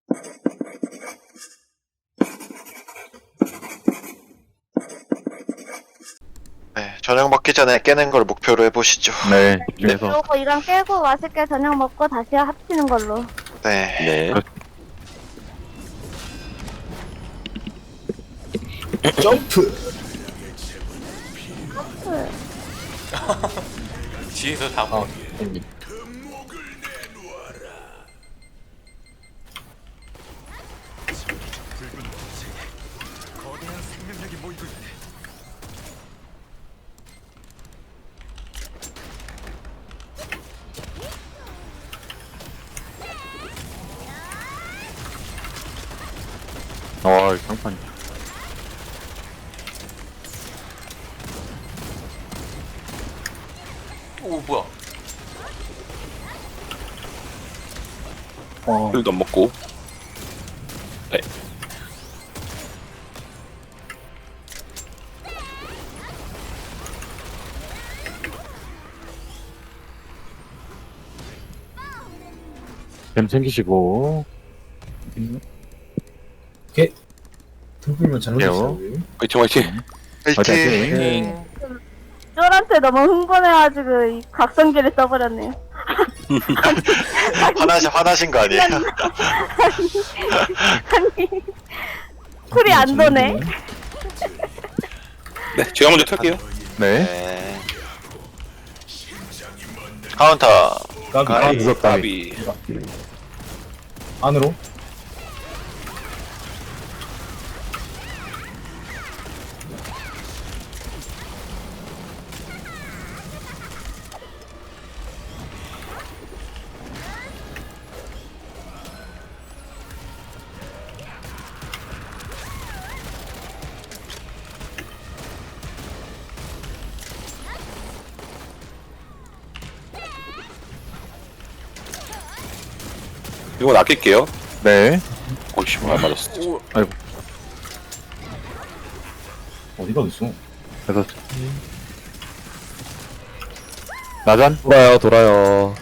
네, 저녁 먹기 전에 깨는 걸 목표로 해보시죠. 네, 집중해서. 그러고 이랑 깨고 맛있게 저녁 먹고 다시 합치는 걸로. 네. 네. 점프. 뒤에서 다 아, 뭐. 형님. 아, 상판. 오 뭐야? 술도 안 먹고. 네. 뱀 챙기시고. 등불만 잘 놓으셨어요. 화이팅 화이팅. 화이팅! 네. 쫄한테 너무 흥분해가지고 이 각성기를 써버렸네요. 화나신 거 아니에요? 아니 쿨이 안 도네. 네, 제가 먼저 탈게요. 네. 네. 카운터. 까비. 아, 무섭다. 까비. 안으로. 이건 아낄게요. 네. 오이씨, 안 맞았어. 아이고. 어디가 있어? 그래서. 나잔? 돌아요.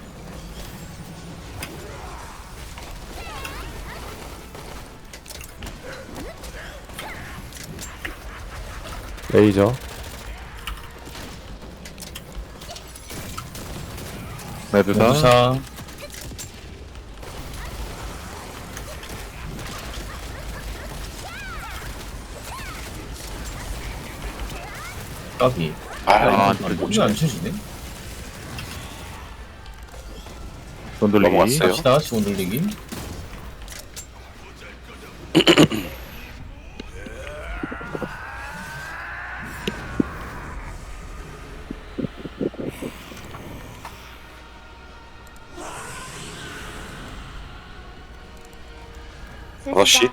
레이저. 매드사. 연두사. 까비. 아, 뭐지 안 쳐지네? 돈 돌리기. 넘어갔어요. 갑시다. 시원 돌리기. 다섯 시.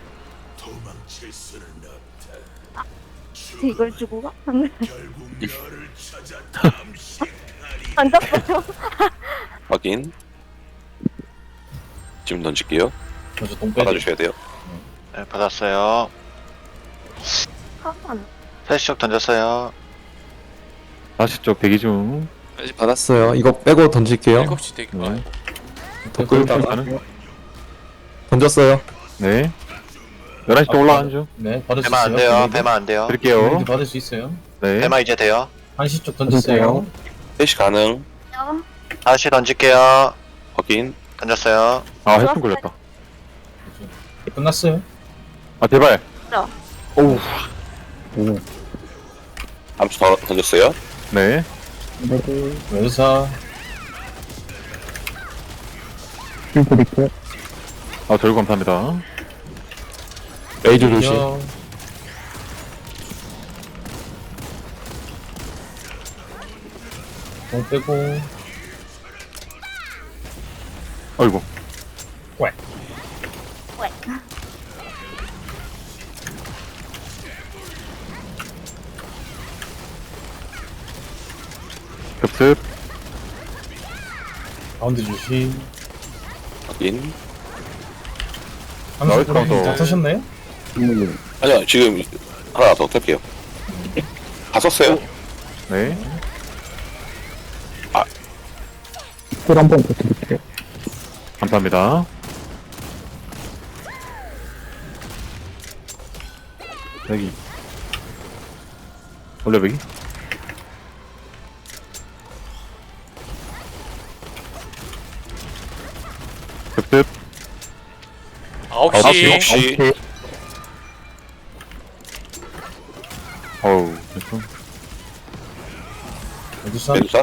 이걸 주고 가? 던졌어요. 확인. 지금 던질게요. 먼저 똥 빼줘. 받아주셔야 돼요. 네, 받았어요. 카판. 패시적 던졌어요. 다시 쪽 대기 중. 받았어요. 이거 빼고 던질게요. 7시 되게 네. 더 끌다가. 끌다가. 던졌어요. 네. 11시 쪽 올라가는 중. 네, 받을 수 배만 있어요. 안 돼요. 블레이드. 배만 안 돼요. 드릴게요. 받을 수 있어요. 네. 배만 이제 돼요. 한시 쪽 던졌어요. 셋이 가능. 다시 던질게요. 확인. 던졌어요. 아, 해픈 걸렸다. 끝났어요. 아, 제발. 오우. 암수 더 던졌어요. 네. 연두사. 아, 저희 감사합니다. 레이저 조심. 똥 빼고. 아이고. 왜? 급습. 가운데 주심. 확인. 함수 카운터. 다 타셨나요? 아니요, 지금 하나 더 탈게요. 다 썼어요. 네. 꿀 한번 더 드릴게요. 감사합니다. 여기. 올려배기. 급습. 9시. 혹시 어우, 됐어. 어디서? 메두사?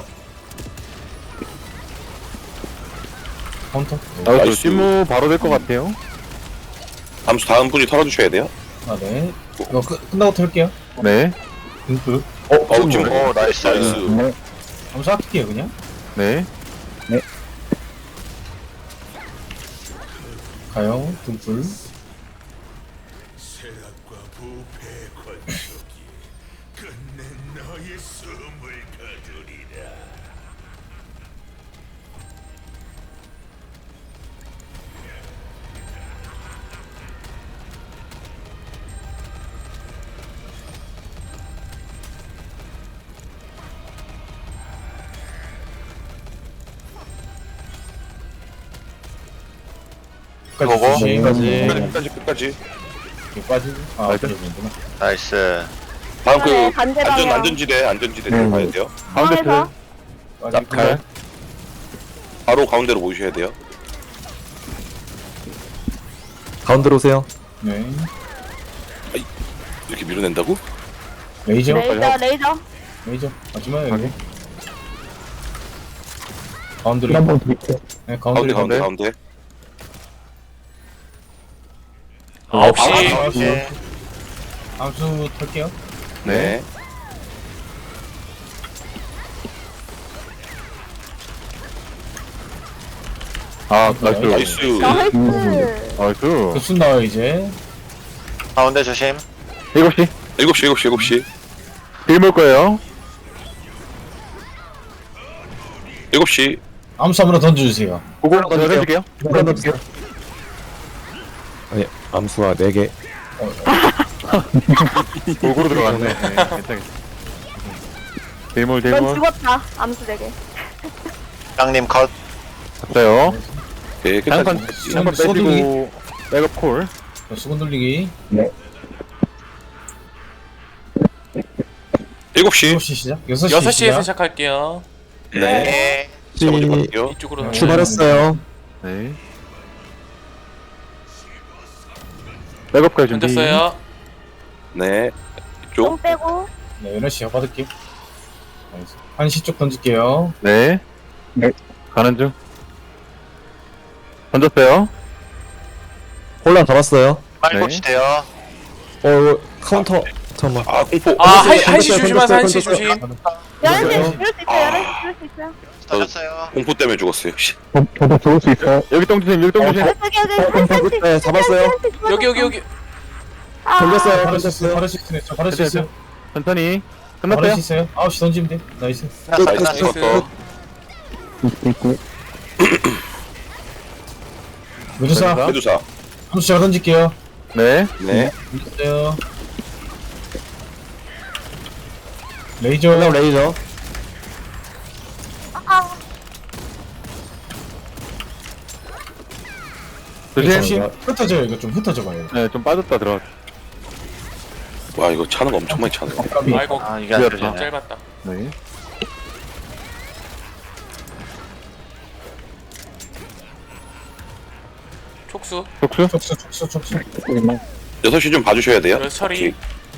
카운터? 나도 나이스. 찜무 바로 될 것 같아요. 암수 다음 분이 털어주셔야 돼요. 아, 네. 이거 끝나고 털게요. 네. 등불. 지금 오, 나이스. 나이스. 암수 아낄게요, 그냥. 네. 가요. 등불. 끝까지 보고. 조심. 끝까지. 이렇게 빠지고. 아, 나이스. 그러는구나. 나이스. 다음 그 네, 반대방향. 안전지대 들어가야 돼요. 가운데 중앙에서. 틀. 빠지고. 칼. 바로 가운데로 모이셔야 돼요. 가운데로 오세요. 네. 이렇게 밀어낸다고? 레이저. 레이저. 레이저. 마지막에 확인. 여기. 가운데로. 네, 가운데 가운데로. 가운데. 9시. 암수 털게요. 네. 아, 나이스. 나이스. 나이스. 나이스. 급순 나와요, 이제. 가운데 조심. 7시. 7시. 빌물 거예요. 7시. 암수 한번 던져주세요. 보고 던질게요. 던질게요. 물건 던지세요. 아니, 암수가 4개. 골고루 들어갔네. 네, 괜찮겠어. 넌 대물, 대물. 죽었다. 암수 4개. 땅님 컷. 갔어요. 네, 한판, 끝까지. 한판 빼시고, 백업 콜. 수건 돌리기. 7시. 7시 시작. 6시 6시에서 시작. 시작할게요. 네. 네. 제가 먼저 갈게요. 이쪽으로. 출발했어요. 네. 백업까지 준비. 던졌어요. 네. 똥 이쪽. 빼고. 네, 11시 받을게요. 나이스. 1시 쪽 던질게요. 네. 가는 중. 던졌어요. 혼란 잡았어요. 빨리 네. 고치세요. 이거 카운터. 잠깐만. 아, 공포. 아, 던졌어요, 1시 조심하세요. 1시 던졌어요. 조심. 11시 줄수 있어요. 11시 줄수 있어요. 던졌어요. 공포 때문에 죽었어요. 씨. 여기 똥주심, 여기 똥주심. 여기 네, 잡았어요. 여기. 던졌어요. 바로 수 있어요. 바로 수 있어요. 저 바로 수 있어요. 천천히. 바로 끝났어요? 수 있어요. 9시 던지면 돼. 나이스. 끝났어. 죽었어. 메두사. 메두사. 메두사. 함수 제가 던질게요. 네. 네. 던졌어요. 레이저. 레이저. 조심. 흩어져요. 이거 좀 흩어져 봐요. 네, 좀 빠졌다 들어갔. 와, 이거 차는 거 엄청 많이 차네. 아이고, 아, 이게 안 미안하다. 되네. 짧았다. 네. 촉수. 촉수. 촉수. 6시 좀 봐주셔야 돼요. 그래서 처리.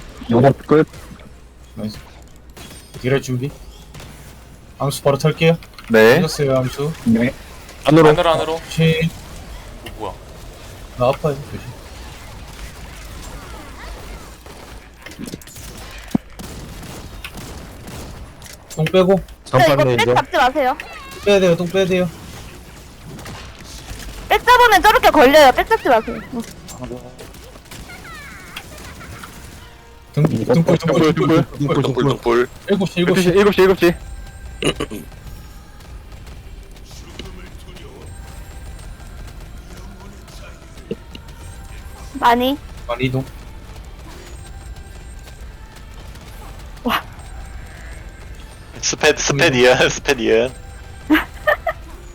나이스. 딜할 준비. 암수 바로 털게요. 네. 던졌어요. 암수. 안으로. 시. 뭐야? 나 아파요. 조심. 똥 빼고. 잠깐 이거 백 레이저. 잡지 마세요. 빼야 돼요. 똥 빼야 돼요. 백 잡으면 저렇게 걸려요. 백 잡지 마세요. 등불. 동불. 7시 7시. 많이. 많이 이동. 스페 이은.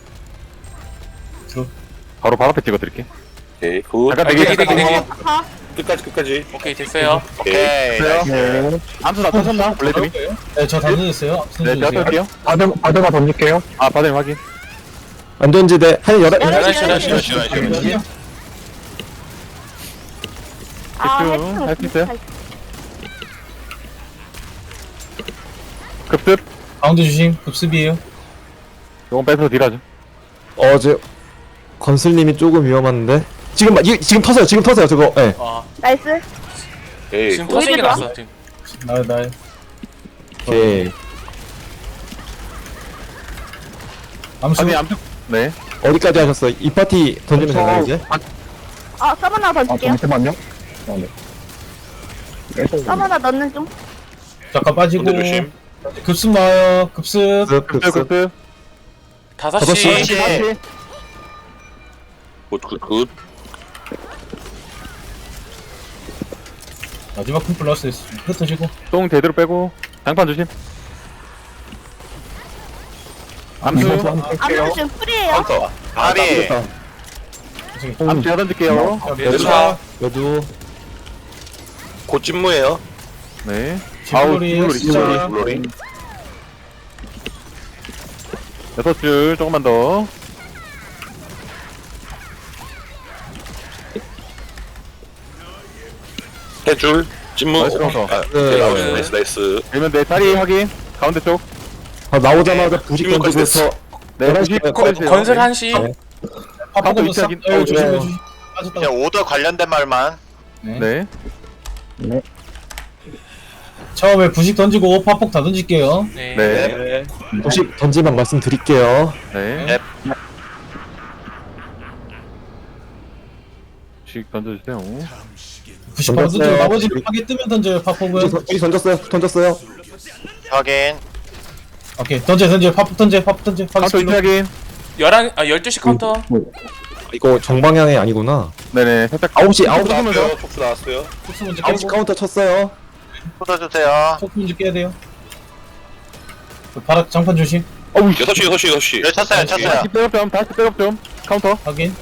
바로 앞에 찍어드릴게. 오케이, 굿. 잠깐 아, 대기. 대기. 가. 끝까지. 오케이 됐어요. 오케이. 네. 암수 다 터졌나? 블레드미? 네, 저 던졌어요. 네, 제가 던져주세요. 털게요. 바드가 던질게요. 아, 바드 확인. 안전지대 한 11시 11시. 아, 집중. 할수 있어요? 해충. 급습. 가운데 주심. 급습이에요. 요건 빼서 딜하죠. 어제 건슬님이 조금 위험한데 지금 터져요 저거 예 아 나이스. 에이, 지금 터지는 게 오히려 낫어 지금. 나. 오케이 암수. 아니, 암수. 네. 어디까지 하셨어요? 이 파티 던지면 되나요 이제? 서브 하나 던질게요. 잠깐만요. 서브 하나 넣는 중. 잠깐 빠지고. 군대 조심. 급습 나와요. 급습. 급습, 급습. 5시. 굿. 마지막 큰 플러스 흩어지고. 똥 제대로 빼고. 장판 조심. 암수. 암수 지금 풀이에요. 카운터. 아비. 암수 제가 던질게요. 매주사. 여두 곧 찜무예요. 네. 아우, 진물이 진짜. 물놀이. 6줄, 조금만 더. 해줄. 찜무. 나이스 카운터. 나이스. 되면 내 다리 확인. 가운데 쪽. 나오자마자 부식 던지고서 네, 부식 건설 1시. 네. 카운터 파파고 위치 확인. 조심. 좋아요. 빠졌다. 그냥 오더 관련된 말만. 네. 네. 처음에 부식 던지고 파폭 다 던질게요. 네. 네. 부식 던지만 말씀드릴게요 네. 부식 던져주세요. 부식 바로 던지고 던졌어요. 나머지는 파괴 뜨면 던져요. 파폭은. 부식 던졌어요 확인. 오케이. 던져. 파폭 던져. 파괴 카운터 위치 스킬로. 확인. 12시 카운터. 이거 정방향이 아니구나 네네, 살짝. 9시 나왔어요. 톡수 나왔어요. 톡스 먼저 9시 깨고. 카운터 쳤어요 쏟아주세요. 톡스 먼저 깨야 돼요. 바닥 장판 조심. 6시. 열 쳤어요. 다시 백업 좀, 다시 백업 좀. 카운터. 확인.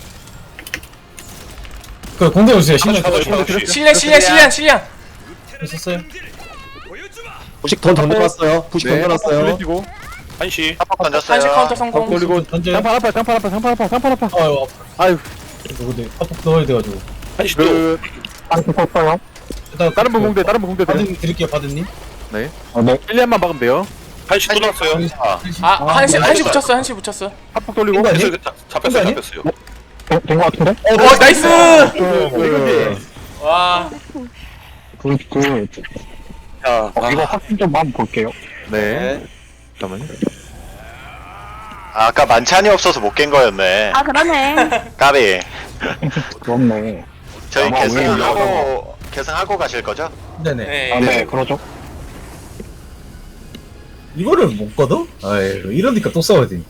그 공대 오세요. 신경 다시, 쓰고. 다시. 실량. 있었어요. 부식 던져놨어요 부식 던져놨어요 돌리시고. 1시. 합법 1시 던졌어요. 카운터 성공. 돌리고. 던져요. 장판 아파. 아유, 아유, 근데 파폭 넣어야 돼가지고. 1시 또. 그, 일단 다른 분 공대 드려. 바드님 드릴게요, 바드님. 네. 1년만 막으면 돼요. 1시 또 나왔어요. 아 1시 붙였어. 1시 붙였어. 합폭 돌리고. 아니? 그래서 잡혔어요. 나이스. 이거지. 와. 자, 이거 확인 좀 한번 볼게요. 네. 잠깐만요. 아까 만찬이 없어서 못 깬 거였네. 아, 그러네. 까비. 그렇네. 저희 아마 계승하고 가실 거죠? 네네. 네. 아, 네, 그러죠. 이거를 못 거둬? 아이, 이러니까 또 싸워야 돼.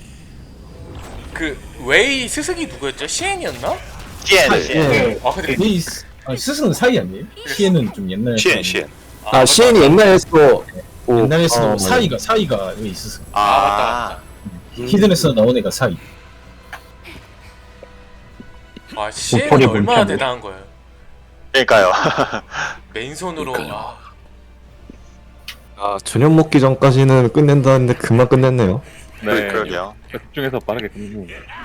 그 웨이 스승이 누구였죠? 시엔이었나? CN. 네. 아 근데 이 스승은 사이 아니에요? 시에는 좀 옛날. 시엔. 아 시엔이 옛날에서 옛날에서 사이가 왜 있었어? 맞다. 히든에서 나온 애가 사이. 아 시엔이 목소리 얼마나 괜찮네. 대단한 거예요. 그러니까요. 맨손으로. 저녁 먹기 전까지는 끝낸다는데 금방 끝냈네요 네. 그러게요. 집중해서 빠르게 끊고.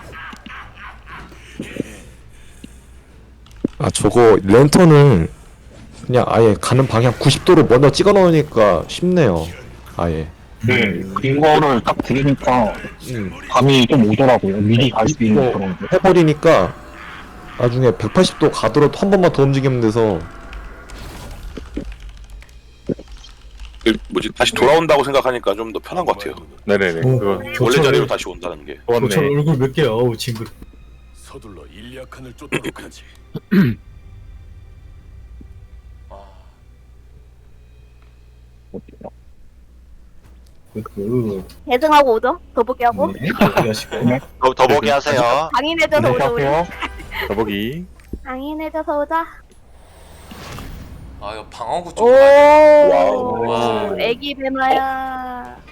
저거 랜턴을 그냥 아예 가는 방향 90도로 먼저 찍어 놓으니까 쉽네요 아예 네, 이거를 딱 들으니까 감이 좀 오더라고요. 미리 갈 수 있는 이거 그런 거. 해버리니까 나중에 180도 가더라도 한 번만 더 움직이면 돼서 다시 돌아온다고 생각하니까 좀 더 편한 것 같아요. 네네네. 그거 원래 자리로 다시 온다는 게. 저 좋았네. 얼굴 몇 개야? 어우 친구. 서둘러 일리아칸을 쫓도록 하지. 대등하고 오죠? 더보기 하고. 네. 하시고. 더 보기 하세요. 강인해져서 오자, 우리. 더보기. 강인해져서 오자. 아 이거 방어구 오, 쪽. 와우. 와. 애기 배마야.